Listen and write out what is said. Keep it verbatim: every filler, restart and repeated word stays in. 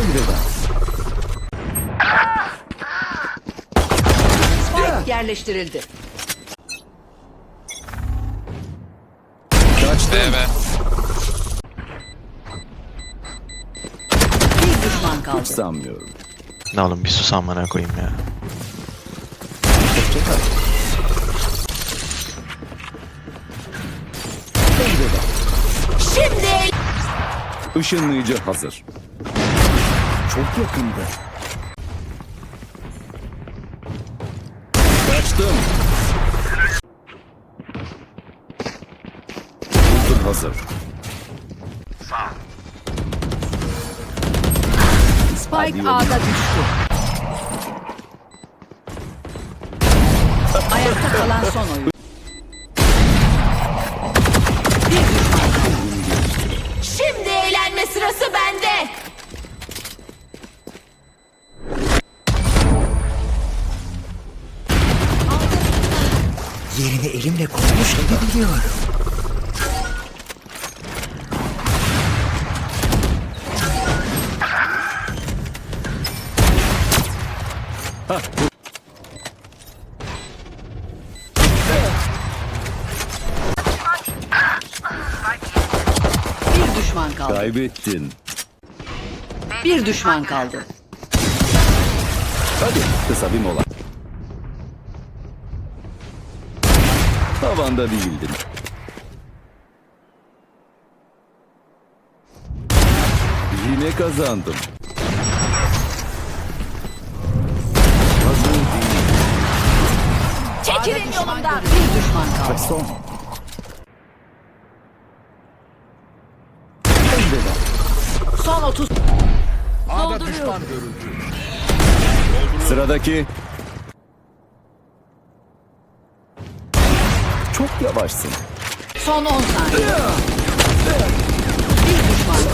Elveda. Spike yerleştirildi. Kaçtım. B B. Bir düşman kaldı. Hiç sanmıyorum. Ne oğlum bir sus amına koyayım ya. Hoşçakal. Elveda. Şimdi Işınlayıcı hazır. Çok yakında. Kaçtım. Ultim hazır. Spike A'da düştü. Ayakta kalan son oyun. Bir düşman kaldı. Şimdi eğlenme sırası bende. Yerini elimle koymuş gibi biliyorum. Bir düşman kaldı. Kaybettin. Bir düşman kaldı. Hadi kısa bir mola. Tavanda değildin. Yine kazandım. Hazır değil. Çekilin yolumdan. Bir düşman kaldı. Son. Elveda. Son otuz. A'da düşman görüldü. Sıradaki. Çok yavaşsın. Son on saniye. Bir düşman